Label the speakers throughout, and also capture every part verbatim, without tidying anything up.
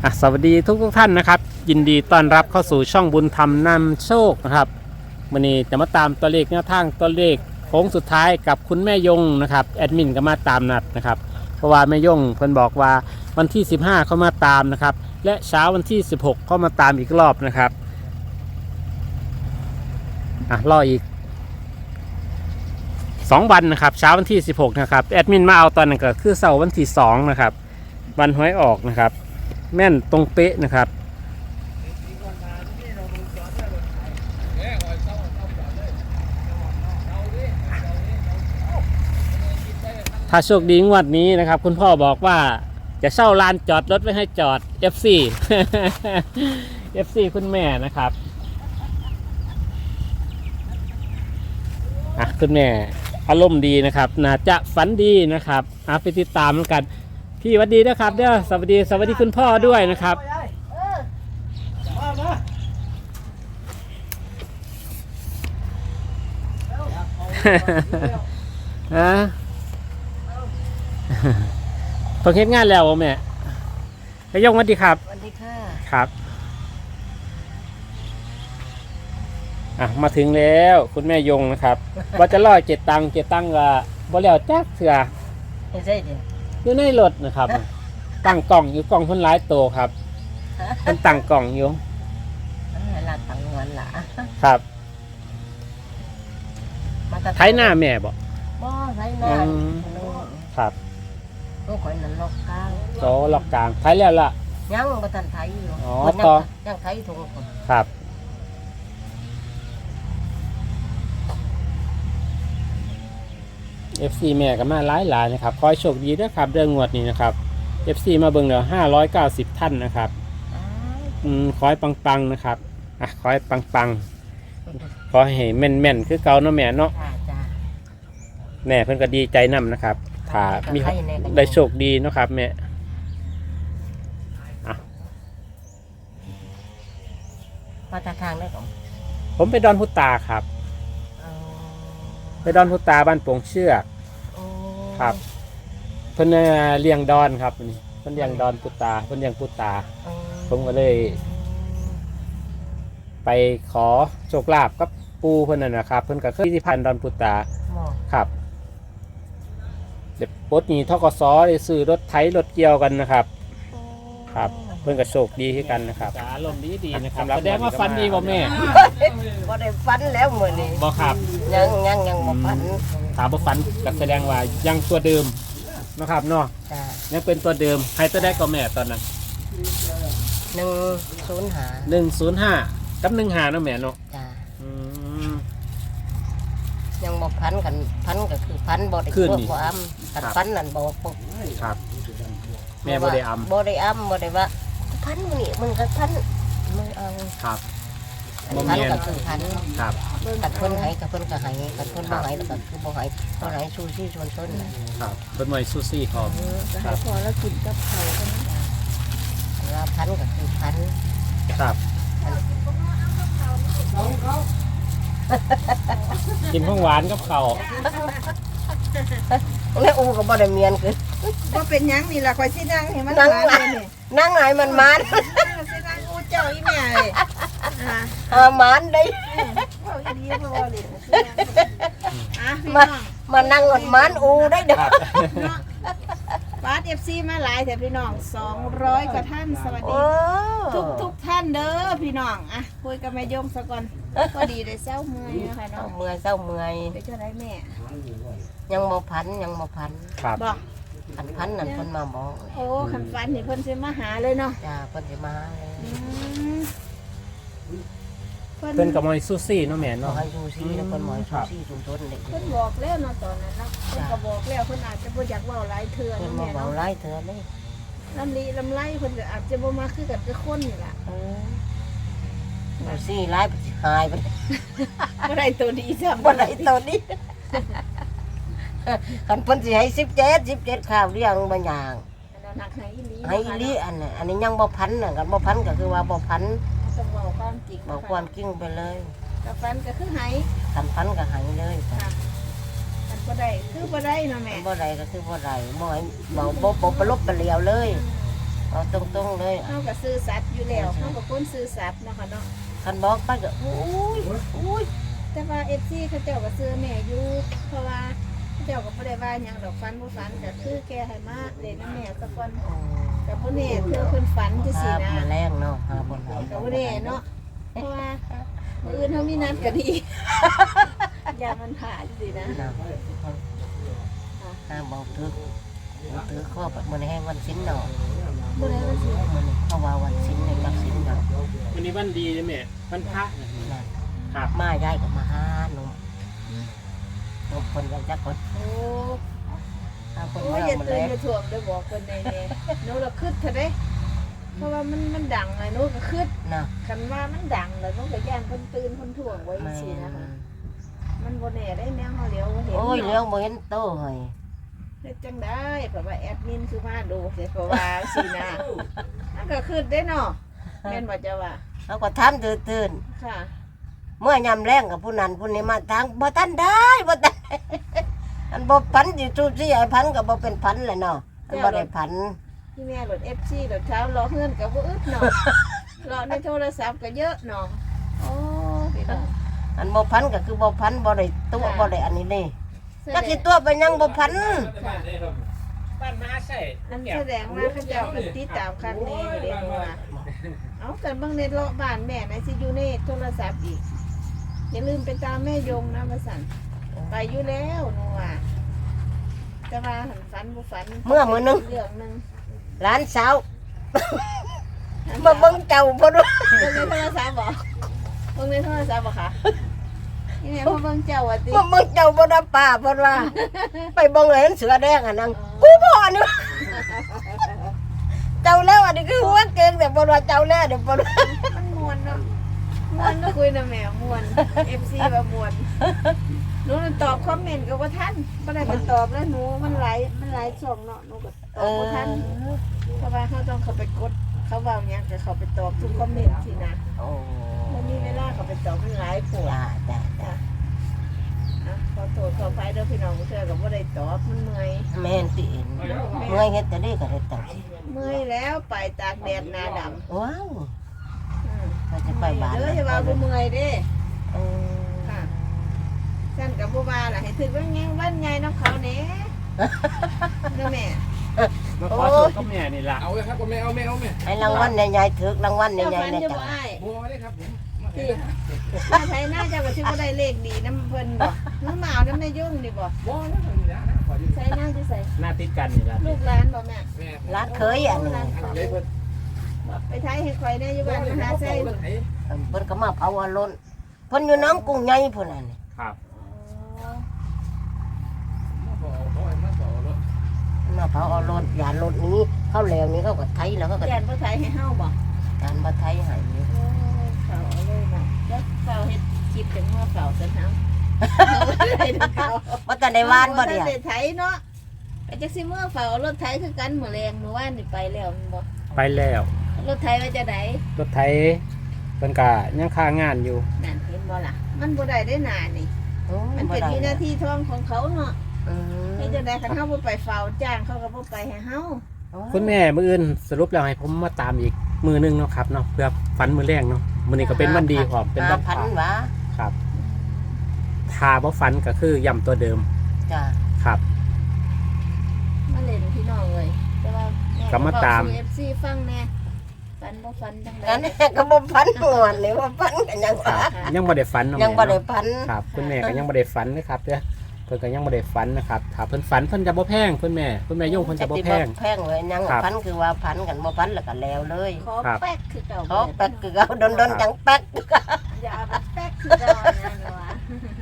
Speaker 1: สวัสดีทุกทุกท่านนะครับยินดีต้อนรับเข้าสู่ช่องบุญธรรมนำโชคนะครับวันนี้จะมาตามตัวเลขแนวทางตัวเลขโค้งสุดท้ายกับคุณแม่ยงนะครับแอดมินก็มาตามนัดนะครับเพราะว่าแม่ยงเพิ่นบอกว่าวันที่สิบห้าเขามาตามนะครับและเช้าวันที่สิบหกเขามาตามอีกรอบนะครับอ่ะรออีกสองวันนะครับเช้าวันที่สิบหกนะครับแอดมินมาเอาตอนนั้นก็คือเสาร์วันที่สองนะครับวันหวยออกนะครับแม่นตรงเป๊ะนะครับถ้าโชคดีงวดนี้นะครับคุณพ่อบอกว่าจะเช่าลานจอดรถไว้ให้จอด เอฟ ซี เอฟ ซี คุณแม่นะครับอ่ะคุณแม่อารมณ์ดีนะครับน่าจะฝันดีนะครับอ่ะไปติดตามกันพี่สวัสดีนะครับเด้อสวัสดีสวัสดีคุณพ่อด้วยนะครับฮะเพิ่งเฮ็ดงานแล้วแม่ไปยงสวัสดีครับ
Speaker 2: สวัสดีค่ะ
Speaker 1: ครับอ่ะมาถึงแล้วคุณแม่ยงนะครับว่าจะล่อเจ็ดตังเจ็ดตังว่าบ่แล้วจักเถื่อ
Speaker 2: ไม่ใช่เดี๋ยว
Speaker 1: อยู่ในรถนะครับตั้งกล่องอยู่กล่องคนร้ายโตครับมันตั้งกล่องอยู่
Speaker 2: เวลาตั้งเงินล่ะ
Speaker 1: ครับไถหน้าแม่บอก
Speaker 2: บ่ไถหน้า
Speaker 1: ครับ
Speaker 2: ต้องคอยนั่นล็อกกลาง
Speaker 1: โตล็อกกลางไถแล้วล่ะ
Speaker 2: ยังบ่ทันไถอยู่
Speaker 1: อ๋อต่อ
Speaker 2: ยังไถถุง
Speaker 1: ครับเอฟซีแม่ก็มาหลายหลายนะครับขอให้โชคดีด้วยครับเรื่องงวดนี้นะครับเอฟซีมาเบิ่งเดี๋ยวห้าร้อยเก้าสิบท่านนะครับอืมขอให้ปังๆนะครับอ่ะขอให้ปังๆขอให้แม่นๆคือเก่าเนาะแม่เนาะแม่เพิ่นก็ดีใจนำนะครับถ้ามีได้โชคดีเนาะครับแม่อ่ะ
Speaker 2: มาจากทางได้ของ
Speaker 1: ผมไปดอนพุตาครับไปดอนพุตาบ้านโป่งเชือกครับเพิ่นเลี้ยงดอนครับนี่เพิ่นเลี้ยงดอนพุตาเพิ่นเลี้ยงพุตาผมก็เลยไปขอโชคลาภกับปูเพิ่นนั่นนะครับเพิ่นก็เคยที่พันดอนพุตาครับเด็กปดนี้ทกสได้ซื้อรถไถรถเกี่ยวกันนะครับครับเพิ่นก็โชคดีที่กันนะครับอารมณ์ดีดีนะครับแสดงว่าฟันดีบ่แม่
Speaker 2: บ่ได้ฟันแล้วมื้อนี้
Speaker 1: บ่ครับ
Speaker 2: ยังยังยังบ่ฟัน
Speaker 1: ถามบ่ฟันก็แสดงว่ายังตัวเดิมนะครับเนาะยังเป็นตัวเดิมใครตัวได้ก็แม่ตอนนั้น
Speaker 2: หนึ่งศูนย์ห้า
Speaker 1: หนึ่งศูนย์ห้ากับหนึ่งห้าเนาะแม่เนาะ
Speaker 2: จ้า
Speaker 1: อืม
Speaker 2: ยังบ่พันกันพันก็คือพันบ่ได้
Speaker 1: คือ
Speaker 2: บ่อ้ำกันพันนั่นบ่ปุ๊บ
Speaker 1: ครับแม่บ่ได้อ้ำ
Speaker 2: บ่ได้อ้ำบ่ได้ว่าพันมื้อนี้มึงก็พันมึงเอา
Speaker 1: ครับ
Speaker 2: พันก็คือพัน
Speaker 1: ครับ
Speaker 2: กันเพิ่นให้กับเพิ่นก็ให้กันเพิ่นบ่ให้แล้วก็คือบ่ให้บ่ให้ชูซี่ชวนต้น
Speaker 1: ครับเพิ่นไว้ซูซี่พร้อม
Speaker 2: ครับพอแล้วกินกับข้าวกันว่าพันก็คือพัน
Speaker 1: ครับกินของหวานกับข้าว
Speaker 2: แล้วอูก็บ่ได้เมียนคือ
Speaker 3: บ่เป็นหยังนี่ล่ะข่อยสินั่งให้มัน
Speaker 2: นั่งนี่นั่งไหนมันมัน
Speaker 3: สินั่งอูเจ้าอีแม่อ่า
Speaker 2: อ่ามันได้
Speaker 3: เว้าอีหลีบ่เว้าดิอ่ะ
Speaker 2: มามานั่งมันมันอูได้เด้อ
Speaker 3: บาส เอฟ ซี มาหลายแต่พี่น้องสองร้อยกว่าท่านสวัสดีทุกทุกท่านเด้อพี่น้องอ่ะคุยกับแม่ยงซะก่อนพอดีได้เช้าเมื่อยนะคะเนาะ
Speaker 2: เมื่อยเช้าเมื่อย
Speaker 3: ไปเท่าไรแม่
Speaker 2: ยังบ่พันยังบ่พัน
Speaker 1: ครับ
Speaker 3: บ่
Speaker 2: อันพันนั่นเพิ่นมาบอก
Speaker 3: โอ้คันฟันนี่เพิ่นสิมาหาเลยเนาะ
Speaker 2: จ้าเพิ่นสิมาเลย
Speaker 1: เพิ่นก็มาซูซี่เนาะแม่เนาะ
Speaker 2: ให้ซูซี่แล้วเพิ่นมาซูซี่ชุมชนนี่
Speaker 3: เพิ่นบอกแล้วเนาะตอนนั้นเนาะเพิ่นก็บอกแล้วเพิ่นอาจจะบ่อยากเว้าหลายเทื่อ
Speaker 2: เพิ่นบ่เว้าหลายเทื่อเลย
Speaker 3: ลำลีลำไรเพิ่นก็อาจจะบ่มาคือกันกับคนนี่ล่ะ
Speaker 2: เออซี่หลายหายไป
Speaker 3: บ่ได้ตัวดีซ้ำ
Speaker 2: บ่ได้ตัวนี้คันเพิ่นสิให้สิบเจ็ด สิบเจ็ดข้าวเลี้ยงบ่ย่าง
Speaker 3: ให้อีหลี
Speaker 2: ให้อีหลีอันน่ะอันนี้ยังบ่พันน่ะกันบ่พันก็คือว่าบ่พัน
Speaker 3: ต้องเว้าความจริง
Speaker 2: บอกความจริงไปเลย
Speaker 3: กับฟันก็คือให้
Speaker 2: กันฟันก็ให้เลย
Speaker 3: ค่ะกันบ่ได้คือบ่ได้เนาะแม่
Speaker 2: บ่ได้ก็คือบ่ได้บ่ให้บ่บ่บ่ประลบประเหลียวเลยเอาตรงๆเลย
Speaker 3: เฮาก็ซื้อสัตว์อยู่แล้วเฮาก็คนซื้อสัตว์เนาะค่ะเนาะ
Speaker 2: คันบอกไปก็อุ้ยอุ้ย
Speaker 3: แต่ว่า เอฟ ซี เขาเจ้าก็ซื้อแม่อยู่เพราะว่าเขาเจ้าก็บ่ได้ว่าหยังดอกฟันบ่ฟันก็คือแกให้มาเล่นน้ำแม่ซะก่อนก็บ่แน่เธอเพิ่นฝันจัง
Speaker 2: ค
Speaker 3: ซี่
Speaker 2: รับ
Speaker 3: นะ
Speaker 2: มาแรงเนาะหาบนไหน
Speaker 3: ก็บ่แน่เนาะเพราะว่ามื้ออื่นเฮามีนัดกันอีกอย่ามันผ่าจังซี่นะ
Speaker 2: นะห้าบอกถือถือข้อแบบมันแห้งวันสิ้นเนาะ
Speaker 3: บ่ได้ว่าสิ
Speaker 2: มันเขาว่าวันสิ้นในกับสิ้นเนาะ
Speaker 1: วันนี้วันดีเลยแม่วันพระนะ
Speaker 2: นั่น
Speaker 1: ครับ
Speaker 2: มาย้ายกับมาหาหนุ่มหนุ่มคนยังจักคน
Speaker 3: โอ้
Speaker 2: หาคน
Speaker 3: โอ้
Speaker 2: มาย
Speaker 3: อย่า
Speaker 2: มา
Speaker 3: ตื่
Speaker 2: แล้
Speaker 3: นอย่าถ่วงเด้อบอกเพิ่นแน่ๆหนูละคิดเถอะเด้เพราะว่ามันมันดังอะหนูก็คิด
Speaker 2: เนาะ
Speaker 3: คันว่ามันดังแล้วหนูก็ย่านเพิ่นตื่นเพิ่นถ่วงไว้จังซี่นะคะมันบ่แน่ได้แนวเฮาเลี้ยวบ่เห็น
Speaker 2: โอ้ย
Speaker 3: เนาะ
Speaker 2: เรื่องบ่เห็นโตเฮ้ย
Speaker 3: เฮ็ดจังได้เพราะว่าแอดมินคือมาดูสิเพราะว่าสินะมันก็คือได้เนาะแม่นบ่เจ้าว่า
Speaker 2: เขาก็ทำตื่น
Speaker 3: ค่ะ
Speaker 2: ๆเมื่อยำแรงกับผู้นั้นผู้นี้มาทางบ่ทันได้บ่ทัน อันบ่พันสิจูซี่ไอ้พันก็บ่เป็นพันเลยเนาะอันบ่ได้พัน
Speaker 3: ที่แม่รถ เอฟ ซี รถเช้ารอเฮือนก็บ่อึดเนาะรอในโทรศัพท์ก็เยอะเนาะโอ้พี่น้อง
Speaker 2: อันบ่พันก็คือบ่พันบ่ได้ตัว
Speaker 3: ค่ะ
Speaker 2: บ่ได้อันนี้นี่
Speaker 3: แสด
Speaker 2: จัก
Speaker 3: ง
Speaker 2: สิตัวไปยังบ่พัน
Speaker 3: ค่ะ
Speaker 1: บ้านมาใช่
Speaker 3: อันแสดงว่าเขาเจ้าก็ติดตามครั้งนี้อยู่เด้เพราะว่าเอากันเบิ่งในเลาะบ้านแม่ไหนสิอยู่ในโทรศัพท์อีกอย่าลืมไปตามแม่ยงนะว่าซั่นไปอยู่แล้วหนูว่าแต่ว่าหันฝันบ่ฝัน
Speaker 2: เมื่อมื้อนึง
Speaker 3: เรื่องหนึง
Speaker 2: หลานสาวมาเบิ่งเจ้าบ่รู้
Speaker 3: เบิ่งในโทรศัพท์บ่เบิ่งในโทรศัพท์บ่คะนี่แม่มาเบิ่งเจ้าว่าติ
Speaker 2: มาเบิ่งเจ้าบ่ได้ป้าเพิ่นว่า ไปเบิ่งเห็นเสือแดงอันนั้นกูบ่นี่ เจ้าแล้วอันนี้คือหัวเก่งแต่บ่ว่าเจ้าแล้วเดี๋ยวบ่รู้
Speaker 3: มันม่วนเนาะม่วนเนาะคุยนะแม่ม่วน เอฟ ซี ว่าม่วนหนูนั่นตอบคอมเมนต์ก็บ่ทันบ่ได้ไปตอบแล้วหนูมันหลายมันหลายช่องเนาะหนูก็ตอบบ่ทันเพราะว่าเขาต้องเข้าไปกดเขาเว้าหยังก็เข้าไปตอบทุกคอมเมนต์สินะ
Speaker 2: โอ้
Speaker 3: บ่มีเวลาเข้าไปตอบมันหลายโพด
Speaker 2: จ้าจ้าจ้า
Speaker 3: อ่ะขอโทษขออภัยเด้อพี่น้องเทื่อก็บ่ได้ตอบมันเมื่อย
Speaker 2: แม่นติเอ็นเมื่อยเฮ็ดแต่นี้ก็เฮ็ดจังซี่
Speaker 3: เมื่อยแล้วไปตากแดดหน้าดำ
Speaker 2: ว้าว
Speaker 3: อืม
Speaker 2: ก็จะไปบ้าน
Speaker 3: เด้ออย่าว่าบ่เมื่อยเด้
Speaker 2: เออ
Speaker 3: ค่ะฉันกับบัวบาล่ะให้ถึงว่าไงวันไงน้องเขาเนี้ยเด้อแม่
Speaker 1: มาขอโทษกับแม่นี่ล่ะ
Speaker 4: เอาเลยครับผมไม่เอาไม่เอาไม่
Speaker 2: ไอ้รางวัลใหญ่ๆถึกรางวัลให
Speaker 3: เจ้า
Speaker 2: ญ่
Speaker 3: ฟัน
Speaker 2: ๆนะ
Speaker 3: จะ
Speaker 2: จ๊ะ
Speaker 3: บ่อ้าย
Speaker 4: บัวได้ครับผมมา
Speaker 3: ที่ถ้าไทยน่าจะว่าที่บ่ได้เลขดีน้ำเพิ่นบ่น้ำหมาวน้ำในยุ่งนี่บ่
Speaker 4: บัวได้ครับนี่นะขอยืม
Speaker 3: ใส่น่าจะใส่
Speaker 1: หน้าติดกันนี่ล่ะ
Speaker 3: ลูกหลานบ่แม่
Speaker 4: แม่
Speaker 2: ร้านเคยอันนี้
Speaker 4: เลยเพิ่น
Speaker 3: ไปไทยให้ข่อยได้อยู่บ้านมหาไส้
Speaker 4: เพิ่นไอ้
Speaker 2: เพิ่นก็มาเผาอารมณ์เพิ่นอยู่น้ำกุ้งใหญ่พุ่นน่ะนี่
Speaker 1: ครับ
Speaker 4: มาขอขอมาขอรถ
Speaker 2: มาเผาอารมณ์ยานรถนี้เข้าแล้วนี่เขาก็ไถแล้วเขาก็
Speaker 3: แย่นบ่ไทยให้เฮาบ่
Speaker 2: การมาไถให้นี่
Speaker 3: โอ้เฝ้าเอาเลยน่ะแล้วเฝ้าเฮ็ดคลิปจังว่าเฝ้าซั่นเฮาได้เฝ้า
Speaker 2: บ่ทันได้วานบ่เดียว
Speaker 3: ได้ไถเนาะไอ้จักสิเมื่อเฝ้ารถไถคือกันมื้อแรงมื้อวานนี่ไปแล้วแม่นบ่
Speaker 1: ไปแล้ว
Speaker 3: รถไถว่าจะได
Speaker 1: รถไถเพิ่นก็ยังค้างานอยู่
Speaker 3: นั่นเห็นบ่ล่ะ มันบ่ได้ได้หนานี่
Speaker 2: โอ้
Speaker 3: มัน
Speaker 2: บ่
Speaker 3: เป็น
Speaker 2: ได้
Speaker 3: วินาทีทองของเขาเนาะ
Speaker 2: อืม
Speaker 3: เฮ็ดจังได๋คันเฮาบ่ไปเฝ้าจ้างเขาก็บ่ไปให้เฮา
Speaker 1: คุณแม่มื้ออื่นสรุปแล้วให้ผมมาตามอีกมือหนึงเนาะครับเนาะเพื่อฝันมื้อแรกเนาะมื้อนี้ก็เป็นวันดีพร้อมเป็นวันพ
Speaker 2: พัน
Speaker 1: ระ
Speaker 2: หวะ
Speaker 1: ครับถ้าบ่ฝันก็คือย้ำตัวเดิม
Speaker 2: จ้า
Speaker 1: ครับ
Speaker 3: มาเล่นพี่น้องเลยแต่ว่าแ
Speaker 1: ก็มาตาม
Speaker 3: เอฟซีฟังแน่ฟันบ่ฟันจังได๋
Speaker 2: กันนี่ก็บ่พันงวนนี่ว่าพันกันยังวะ
Speaker 1: ยังบ่ได้ฝันเนาะ
Speaker 2: ยัง
Speaker 1: แม่
Speaker 2: บ่ได้
Speaker 1: เนาะ
Speaker 2: พัน
Speaker 1: ครับคุณแม่ก็ยังบ่ได้ฝันนะครับเด้อเพิ่นก็ยังบ่ได้ฝันนะครับถ้าเพิ่นฝันเพิ่นจะบ่แพงคุณแม่คุณแม่โยงเพิ่นจะบ่แพง
Speaker 2: แพงเลยยัง
Speaker 1: ครับ
Speaker 2: พันคือว่าพันกันบ่พันแล้วก็แล้วเลย
Speaker 3: ขอ
Speaker 1: ครับ
Speaker 3: แป๊กคือเก่า
Speaker 2: เขาแป๊กคือเอาดนๆจังแป๊ก
Speaker 3: อย่าเอาไปแป๊กคือเก่านะเนาะ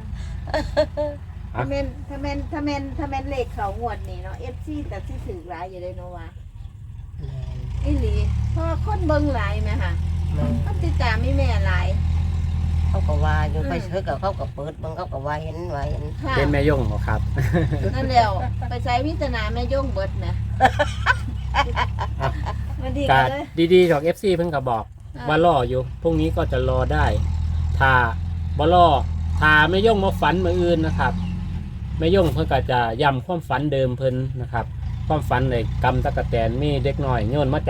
Speaker 3: ถ้าแม่นถ้าแม่นถ้าแม่นถ้าแม่นเลขเขางวดนี่เนาะ เอฟ ซี แต่สิถือหลายอยู่เลยเนาะว่าอีหลีเพราะว่าคนเบิ่งหลายแม่ค่ะคนติดตามมีแม่หลาย
Speaker 2: เขาก็ว่าอยู่ไปซื้อกับเขาก็เปิดเบิ่งเขาก็ว่าเห็นว่าเห็น
Speaker 3: ค่ะ
Speaker 1: เป็นแม่โยงบ่ครับ
Speaker 3: นั่นแล้วไปใช้วิจารณาแม่ย่งเบิดนะมันดี
Speaker 1: ก็
Speaker 3: กันเลย
Speaker 1: ดีๆดอก เอฟ ซี เพิ่นก็บอกว่ารออยู่พรุ่งนี้ก็จะรอได้ ถ้าบ่รอถ้าแม่ย่งมาฝันมื้ออื่นนะครับแม่ย่งเพิ่นก็จะย้ำความฝันเดิมเพิ่นนะครับ ความฝันเลยกำตะกะแตนมีเด็กน้อยโยนมาจาก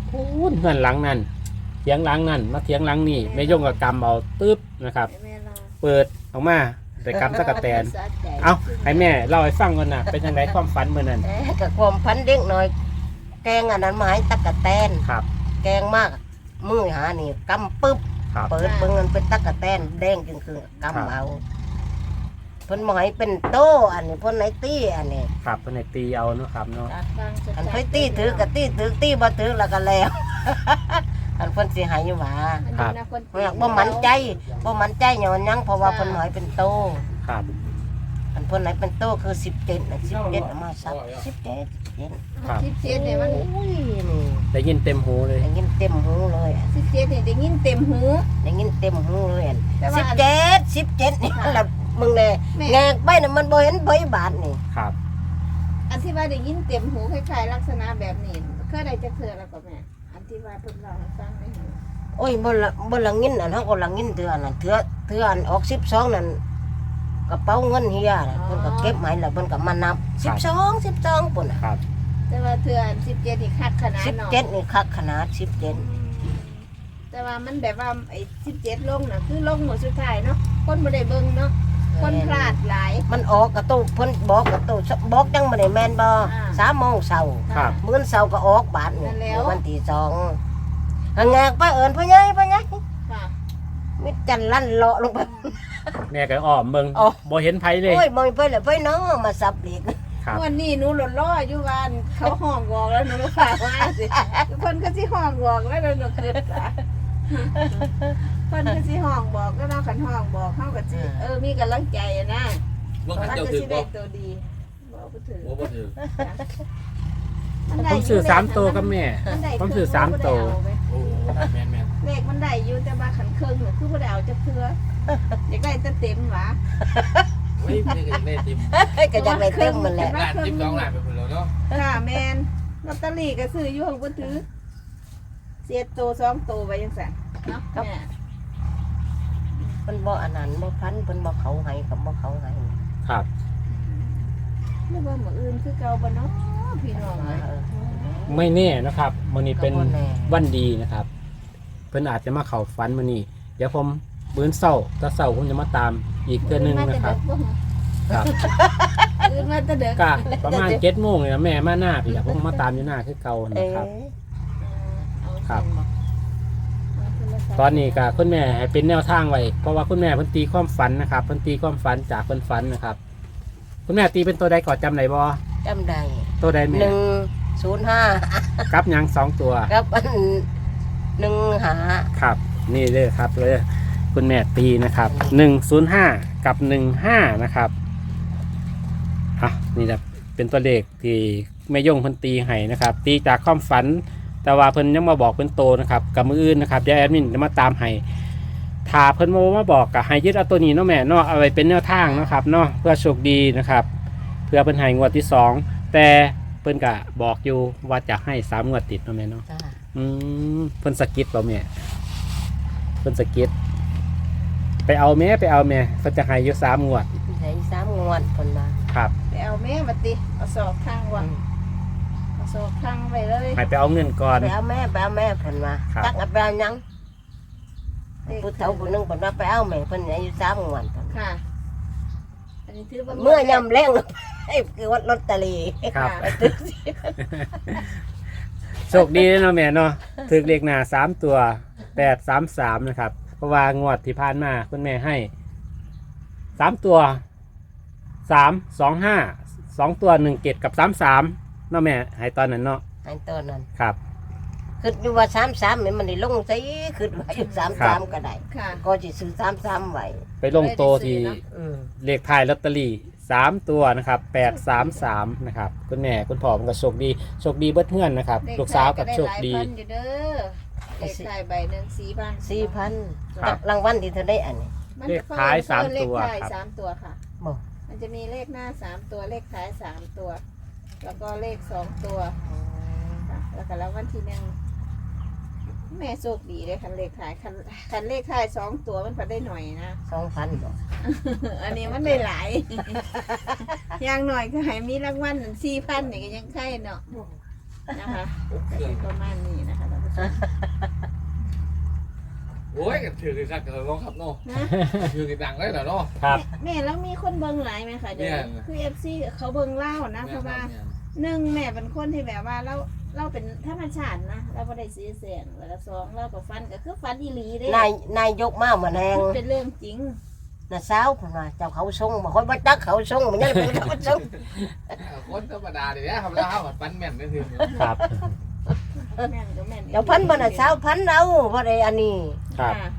Speaker 1: พูนเงินหลังนั่นเถียงหลังนั่นมาเถียงหลังนี่แม่ยงกับกำเอาตึ๊บนะครับ
Speaker 3: ให้แม่ลา
Speaker 1: เปิดออกมาแต่กำตะกะแตนเอาให้แม่เล่าให้ฟังก่อนนะเป็นยังไงความฝันเมื่อนั้น
Speaker 2: แต่กับความพันเด็กหน่อย แกงอันนั้นมาให้ตะกะแตน
Speaker 1: ครับ
Speaker 2: แกงมากมือหานี่กำปึ๊บ
Speaker 1: ครับ
Speaker 2: เปิดเบิ่งมันเป็นตะกะแตนแดงจึงคือกำเอาเพิ่นบ่ให้เป็นโตอันนี้เพิ่นให้ตีอันนี้
Speaker 1: ครับเป็นในตีเอาเนาะครับเนาะ
Speaker 2: อันเพิ่นตีถือก็ตีถือตีบ่ถือแล้วก็แล้ว อันเพิ่นสิให้หว่าเพิ่นบ่มั่นใจบ่มั่นใจหยังหยังเพราะว่าเพิ่นบ่ให้เป็นโต
Speaker 1: ครับ
Speaker 2: อันเพิ่นให้เป็นโตคือสิบเจ็ดน่ะสิบเจ็ดเอามาซับสิบเจ็ด
Speaker 1: ครับ
Speaker 3: สิบเจ็ดเนี่ยมัน
Speaker 2: อุ้ยนี่
Speaker 1: ได้ยินเต็มหูเลย
Speaker 2: ได้ยินเต็มหูเลยอะ
Speaker 3: สิบเจ็ดเนี่ยได้ยินเต็มหู
Speaker 2: ได้ยินเต็มหูเลยอะ
Speaker 3: แต่ว่า
Speaker 2: สิบเจ็ดสิบเจ็ดนี่ล่ะมึงแน่
Speaker 3: แม่
Speaker 2: แงกไปน่ะมันบ่เห็นใบบาทนี่
Speaker 1: ครับ
Speaker 3: อันที่ว่าได้ยินเต็มหูคล้ายๆลักษณะแบบนี้เคยได้จะเทื่อแล้วก็แม่อันที่ว่าเพิ่นเล่าให้ฟังได้หู
Speaker 2: โอ้ยบ่ละบ่ละงินอันเฮาก็ละงินเทื่อนั่นเทื่อเทื่ออันออกสิบสองนั่นกระเป๋าเงินเฮียน่ะเพิ่นก็เก็บให้แล้วเพิ่นก็มานับสิบสองสิบสองปุ่นน่ะ
Speaker 1: ครับ
Speaker 3: แต่ว่าเทื่ออันสิบเจ็ดนี่คักขนาด
Speaker 2: สิบ
Speaker 3: เนาะ
Speaker 2: เจ็ดนี่คักขนาดสิบเจ็ด
Speaker 3: แต่ว่ามันแบบว่าไอ้สิบเจ็ดลงน่ะคือลงหมดสุดท้ายเนาะคนบ่ได้เบิ่งเนาะคนพลาดหลาย
Speaker 2: มันออกกระตู้เพิ่นบอกกระตู้บอกจังบ่ได้แม่นบ่
Speaker 3: อ่า
Speaker 2: สามโมงเช้า
Speaker 1: ครับ
Speaker 2: มื้อเช้าก็ออกบาทนี่
Speaker 3: นั่นแล้ว
Speaker 2: วันที่สองหังแงกไปเอิ้นพ่อใหญ่พ่อใหญ่
Speaker 3: ค่ะ
Speaker 2: มิดจันลั่นเลาะลงไป
Speaker 1: แม่ก็อ้อมเบิ่ง
Speaker 2: อ๋อ
Speaker 1: บ่เห็นไผเลย
Speaker 2: โอ้ยบ่ไปเลยไปน้องมาสับเหล็ก
Speaker 1: ครับ
Speaker 3: วันนี้หนูหล่นล้ออยู่บ้านเขาห้องบอกแล้วหนูก็ฝากว่าสิทุกคนก็สิห้องบอกแล้วหนูเกิดละคนก็สิห้องบอกก็เราขันห้องบอกเขาก็สิเออมีกำลังใจอะนะ
Speaker 4: ว่า
Speaker 3: มัน
Speaker 4: ขันเจ้า
Speaker 3: ก็
Speaker 4: ถื
Speaker 3: สิ
Speaker 4: อ
Speaker 3: ได้
Speaker 4: บ่
Speaker 3: ตัวดีบอกไปถือ
Speaker 4: โอ้บ่ถือ
Speaker 3: นได้
Speaker 1: ผมซื้อสามตัวกับแม่
Speaker 3: นได้
Speaker 1: ผมซื้อสามตัว
Speaker 4: โอ้แม่นแม่น
Speaker 3: เลขมันได้อยู่แต่มาขันเครื่องเนี่ยคือบ่ได้เอาจะเพื่ออยากได้แต่เต็มหวะ
Speaker 4: เฮ้ยไม่ได้ได้ติม
Speaker 2: ก็จะไปเติมมันแหละ
Speaker 4: ล้านติมสองล้านไปพุ่นแล้วเนาะ
Speaker 3: ค่ะแมนลอตเตอรี่ก็ซื้ออยู่ของบ่ถือเสียตัวสองตัวไปจังซั่นเนาะแม่
Speaker 2: เพิ่นบ่อันนั้นบ่พันเพิ่นบ่เขาให้กับบ่เขาให้
Speaker 1: ครับ
Speaker 3: นึกว่ามื้ออื่นคือเก่าบ่เนาะพี่น้อง
Speaker 2: เอ
Speaker 3: เอ้ย
Speaker 2: อ
Speaker 1: ไม่แน่นะครับมื้อนี้เป็น
Speaker 2: ก็บ่แน่
Speaker 1: วันดีนะครับ เพิ่นอาจจะมาเข้าฝันมื้อนี้เดี๋ยวผมมื้อเช้าถ้าเช้าผมจะมาตามอีกเทื่อนึงนะครับ ครับ
Speaker 3: อื่นมาแต่เด็ก
Speaker 1: ก็ประมาณเจ็ดโมงเลยนะแม่มาหน้าพี่อยากผมมาตามอยู่หน้าคือเก่า
Speaker 2: เอ
Speaker 1: นะครับ
Speaker 2: อ
Speaker 1: ครับ ตอนนี้ก็คุณแม่ให้เป็นแนวทางไว้เพราะว่าคุณแม่เพิ่นตีความฝันนะครับเพิ่นตีความฝันจากเพิ่นฝันนะครับ คุณแม่ตีเป็นตัวใดก่อนจำได้บ่
Speaker 2: จำได้
Speaker 1: ตัวใดแม่
Speaker 2: หนึ่งศูนย์ห้า
Speaker 1: กับหยังสองตัว
Speaker 2: กับอันหนึ่งหา
Speaker 1: ครับ นี่เลยครับเลยคุณแม่ตีนะครับหนึ่งศูนย์ห้ากับหนึ่งห้านะครับอ่ะนี่แหละเป็นตัวเลขที่แม่ย่งเพิ่นตีให้นะครับ ตีจากความฝัน แต่ว่าเพิ่นยังมาบอกเป็นโตนะครับกับมืออื่นนะครับเดี๋ยวแอดมินจะมาตามให้ถ้าเพิ่นโมมาบอกกับให้ยึดเอาตัวนี้เนาะแม่เนาะเอาไว้เป็นแนวทางนะครับเนาะเพื่อโชคดีนะครับ เพื่อเพิ่นให้งวดที่สองแต่เพิ่นก็บอกอยู่ว่าจะให้สามงวดติดเนาะแม่เนาะ
Speaker 2: จ้า
Speaker 1: อืมเพิ่นสะกิดเปล่าแม่เพิ่นสะกิดไปเอาแม่ไปเอาแม่เพิ่นจะให้อยู่สามงวด
Speaker 2: ใส่สามงวดเพิ่นมา
Speaker 1: ครับ
Speaker 3: ไปเอาแม่มาติเอาศอกข้างวะเอาศอกข้างไปเลย
Speaker 1: ให้ไปเอาเงินก่อน
Speaker 2: ไปเอาแม่ไปเอาแม่เพิ่นมา
Speaker 1: ครับ
Speaker 2: จักเอาไปเอาหยังผู้เฒ่าผู้หนึงเพิ่นว่าไปเอาแม่เพิ่นอายุสามงวดเพิ่น
Speaker 3: ค่ะ อันนี้ถือว่า
Speaker 2: เมื่อยำแรงไอ้คือวัดลอตเตอรี่
Speaker 1: ครับ
Speaker 2: ไปตึกสิ
Speaker 1: โชคดีเนาะแม่เนาะถึกเลขหน้าสามตัวแปดสามสามนะครับเพราะว่างวดที่ผ่านมาคุณแม่ให้สามตัวสามสองห้าสองตัวหนึ่งเกตกับสามสามเนาะแม่ให้ตอนนั้นเนาะ
Speaker 2: ไอ้ตัวนั้น
Speaker 1: ครับ
Speaker 2: คืออยู่ว่าสามสามนี่มันได้ลงใส่คือว่าอยู่สาม
Speaker 1: ครั
Speaker 2: สา
Speaker 1: บ
Speaker 2: มก็ได้
Speaker 3: ค่ะ
Speaker 2: ก็สิซื้อสามสามไว้
Speaker 1: ไปลงโตที่
Speaker 2: อืม
Speaker 1: เลขท้ายลอตเตอรี่สามตัวนะครับแปดสามสามนะครับคุณแม่คุณพ่อมันก็โชคดีโชคดีเบิดเพื่อนนะครับลูกสาวกับโชคดี
Speaker 3: เลขท้ายก็ได้หลายพันอยู่เด้อเลขท้ายใบหนึ่งสี่พัน
Speaker 2: สี่พัน
Speaker 1: ครับ
Speaker 2: รางวัลที่เธอได้อันนี้
Speaker 3: มัน
Speaker 1: เล
Speaker 3: จะ
Speaker 1: ขท้ายสาม
Speaker 3: เลข
Speaker 1: ตัว
Speaker 3: ท้าย
Speaker 1: ครับ
Speaker 3: สามตัวค่ะ
Speaker 2: บอก
Speaker 3: มันจะมีเลขหน้าสามตัวเลขท้ายสามตัว แล้วก็เลขสองตัวค่ะแล้วก็แล้ววันที่หนึ่งแม่โชคดีเลยคันเลขท้ายคันคันเลขท้ายสองตัวมันพอได้หน่อยนะ
Speaker 2: สองพันบอก
Speaker 3: อันนี้มันได้หลาย อย่างหน่อยก็ให้มีรางวัลสี่พันนี่ก็ยังใช่เนาะนะคะ
Speaker 4: เครื่อง
Speaker 3: ประมาณนี้นะคะท่านผู้
Speaker 4: โอ้ยกันถือกันครับกันน้องครับเนาะ
Speaker 3: นะ
Speaker 4: ถือกันดังเลยเหรอเนาะ
Speaker 1: ครับ
Speaker 3: แม่แล้วมีคนเบิ่งหลายไหมคะเดี๋ยว
Speaker 4: เนี่ย
Speaker 3: คือ เอฟ ซี เขาเบิ่งเล่านะเพราะว่าหนึ่งแม่เป็นคนที่แบบว่าเราเราเป็นธรรมชาตินะเราไม่ได้ซื้อเสียงแล้วก็สองเราก็ฟันก็คือฟันอีหลีเด้
Speaker 2: นายนายยกมาเหมือนแหง
Speaker 3: เป็นเรื่องจริง
Speaker 2: น่ะสาวเพิ่นว่าเจ้าเขาทรงบ่ค่อยบ่จักเขาทรงมันยังเป็นเขาทรง
Speaker 4: คนธรรมดาดิเนี่ยครับแล้วปันแม่นได้ถึง
Speaker 1: ครับ
Speaker 3: แม่นก็แม่น
Speaker 2: เดี๋ยวพันบ่น่ะสาวพันเอาบ่ได้อันนี้
Speaker 1: ครับ
Speaker 3: ค่ะ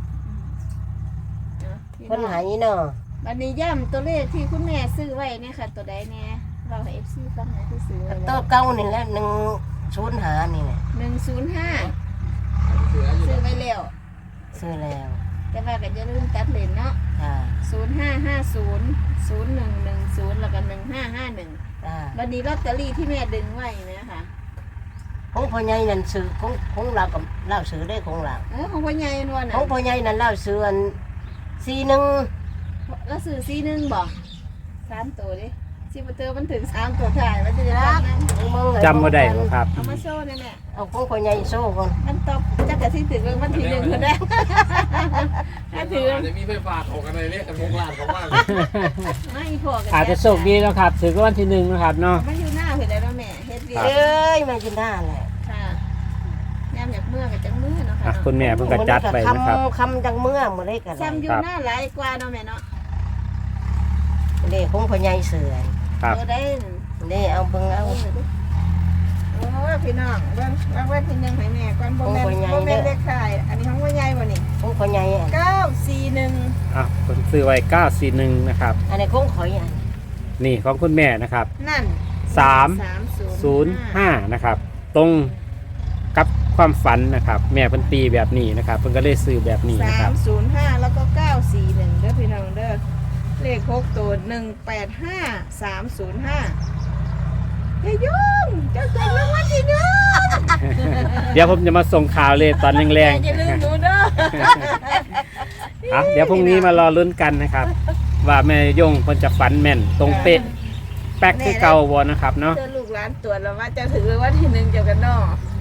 Speaker 3: เนาะพี่
Speaker 2: เพิ่น
Speaker 3: น้อง
Speaker 2: ให้เนาะ
Speaker 3: วันนี้ย่ำตัวเลขที่คุณแม่ซื้อไว้เนี่ยค่ะ ตัวใดเนี่ยเราให้ เอฟ ซี ฟังหน่อยที่ซื้อไว้
Speaker 2: ตัวเก่านี่แหละหนึ่งศูนย์ห้านี่แหละ
Speaker 3: หนึ่งศูนย์ห้า
Speaker 4: ถืออยู่
Speaker 3: ซื้อไว้แล้ว
Speaker 2: ซื้อแล้ว
Speaker 3: แต่ว่าก็จะลืมตัดเลนเนาะ
Speaker 2: จ้า
Speaker 3: ศูนย์ห้าห้าศูนย์ศูนย์หนึ่งหนึ่งศูนย์แล้วก็หนึ่งห้าห้าหนึ่ง
Speaker 2: จ้า
Speaker 3: วันนี้ลอตเตอรี่ที่แม่ดึงไว้นะคะ
Speaker 2: ของพ่อใหญ่นั่นซื้อของของเรากับเราซื้อได้ของเรา
Speaker 3: เออของพ่อใหญ่นวล
Speaker 2: ข
Speaker 3: น่ะ
Speaker 2: องพ่อใหญ่นั่นเราซื้ออันสี่หนึ่ง
Speaker 3: แล้วซื้อซีหนึ่งบอกสามตัวดิซีประเตอร์มันถึงสามตัวถ่ายมันจะรักนะ
Speaker 1: จำบ่ได้บ่ครับ
Speaker 3: เอามาโซ่เลยแม่
Speaker 2: เอาของพ่อใหญ่โซ่ก่อน
Speaker 3: มันตบจักกะที่ถึงเรื่องมันทีหนึ่งคนได้ถ้าถือ
Speaker 4: อาจจะมีไฟฟ้าถกกันเลยเรียกกันพงลานของว่า
Speaker 3: ไม่พอกัน
Speaker 1: อาจจะโชคดีแล้วครับถือว่าวันที่หนึ่งนะครับเนาะ
Speaker 3: มันอยู่หน้าเห็นแล้วแม่เฮ็ดเวีย
Speaker 2: เอ้ยไม่กินได้แหละ
Speaker 3: ค่ะแนมอยากเมื่อกับจังเมื่อเนาะ
Speaker 1: อ่ะ
Speaker 3: ค่ะ
Speaker 1: คุณแม่เพิ่งกระจัดไปนะครับ
Speaker 2: คำจังเมื่อมื้อได้กัน
Speaker 3: ซ้ำอยู่หน้าหลายกว่าเนาะแม่เนาะ
Speaker 2: เด้ของพ่อใหญ่เสือ
Speaker 1: ครับ
Speaker 3: เออได้
Speaker 2: เด้เอาเบิ่งเอา
Speaker 3: โอ้พี่น้องเบิ่งรางวัลที่หนึ่งให้แม่ก่อนบ่แม่นบ่แม่นเลขท้ายอันนี้ของพ่อใหญ่บ่นี่
Speaker 2: ของพ่อใหญ่อัน
Speaker 3: เก้าสี่หนึ่ง
Speaker 1: อ่ะผมซื้อไว้เก้าสี่หนึ่งนะครับ
Speaker 2: อันนี้ของข่อยอัน
Speaker 1: นี่ของคุณแม่นะครับ
Speaker 3: นั่น
Speaker 1: สามศูนย์ห้านะครับ ตรงกับความฝันนะครับ แม่เพิ่นตีแบบนี้นะครับเพิ่นก็เลยซื้อแบบนี้นะค
Speaker 3: สา
Speaker 1: รับ
Speaker 3: มศูนย์ห้าแล้วก็เก้าสี่หนึ่งเด้อพี่น้องเด้อเลขหกตัวหนึ่งแปดห้าสามศูนย์ห้าอย่ายุ่งเจ้าตัวรางวัลที่หนึ่ง
Speaker 1: เดี๋ยวผมจะมาส่งข่าวเลยตอนแรง
Speaker 3: อย่าลืมหนูเด้อ
Speaker 1: ๆอ่ะเดี๋ยวพรุ่งนี้มารอลุ้นกันนะครับ ว่าแม่ยงเพิ่นจะฝันแม่นตรงเป๊ะแป๊กคือเก่าบ่นะครับเนาะ
Speaker 3: เจอลูกหลานตรวจแล้วว่าจะถือรางวัลที่หนึ่งเจ้ากันเนาะ